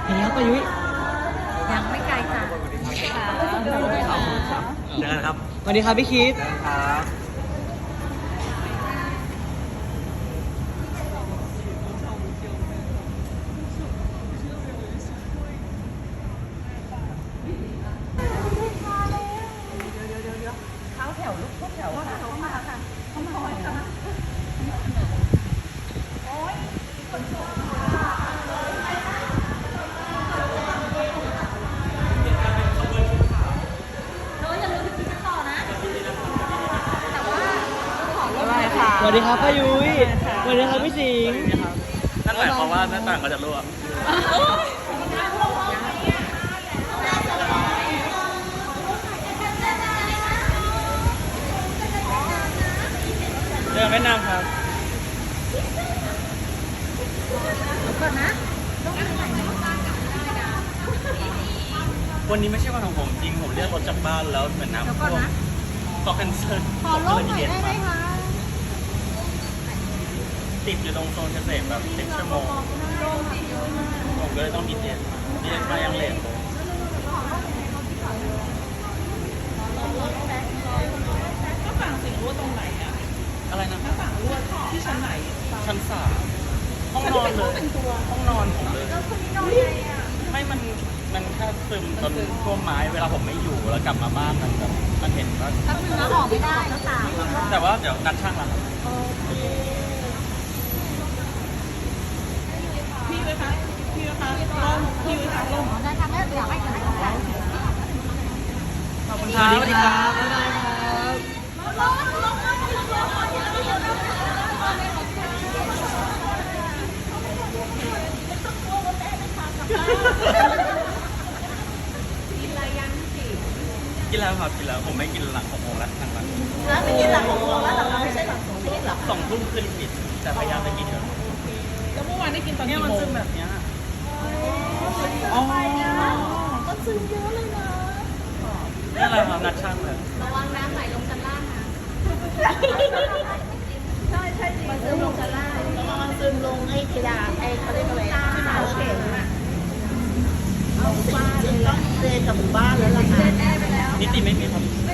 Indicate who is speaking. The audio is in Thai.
Speaker 1: เห็นแล้วป้ายุ้ย
Speaker 2: ยังไม่ไกลจ้ะ
Speaker 1: เจอกันครับสวัสดีครับพี่คิดครับสวัสดีครับป้ายุ้ยสวัสดีครับพี่สิงห์นั่นหมายความว่าหน้าต่างก็จะรั่วเจอแม่นางครับก่อนนะวันนี้ไม่ใช่วันของผมจริงผมเรียกรถจากบ้านแล้วเหมือนน้ำท่วมก็แคนเซิลผมก็เลยมีเดทมาติดอยู่ตรงโซนเกษตรแบบ10 ชั่วโมงผมก็เลยต้องมีเดทมายังเลทเลย
Speaker 3: ก็ฝั่งสิ่งรั่วตรงไหนอ่ะ
Speaker 1: อะไรนะ
Speaker 3: ถ้าฝั่งรั่วที่ชั้นไหน
Speaker 1: ชั้น3ห้องนอนเลยห้องนอนผมเลยไม่มันแค่ซึมจนท่วมไม้เวลาผมไม่อยู่แล้วกลับมาบ้านมันแบบมันเห็นว่า
Speaker 2: ถ้าคุณน้าออกไม่ได้แล้วต่าง
Speaker 1: แต่ว่าเดี๋ยวนัดช่างแล้วครับ
Speaker 3: พี่เลยคะพี่เลยคะลงพี่เลยคะลง
Speaker 2: ได้ทำได้อยากให้ได้ของได้
Speaker 1: ขอบคุณครับสวัสดีครับบ๊ายบายครับกินแล้วครับกินแล้วผมไม่กินหลัง6 โมงแล้วทางวัน
Speaker 3: แล้วไม่กินหลังของเราแล้วหลังเราไม่ใช่หลังของพี่หรอ
Speaker 1: 2 ทุ่มขึ้นกินแต่พยายามไปกินเถอะ
Speaker 3: แล้วเมื่อวานได้กินตอน
Speaker 1: เนี่ย
Speaker 3: กี่
Speaker 1: มัน
Speaker 3: โม
Speaker 1: ซึ
Speaker 3: ง
Speaker 1: มแบบเนี้ย
Speaker 3: อ๋อมันซึมเยอะเลยนะ
Speaker 1: นี่อะไรครับนัดช่างเลย
Speaker 2: ระวังน้ำไหลลงชั้นล่างนะ
Speaker 3: ใช่ใช่จริงมันซึมลงชั้นล่างแล้วมันซึมลงไอ้กระดาษไอ้เขาเรียกอะไรเขาเข็มอ่ะเอาบ้านเลยต้องเดินกับหมู่บ้านแล้วล่ะค่ะ
Speaker 1: นิติไม่มีครับ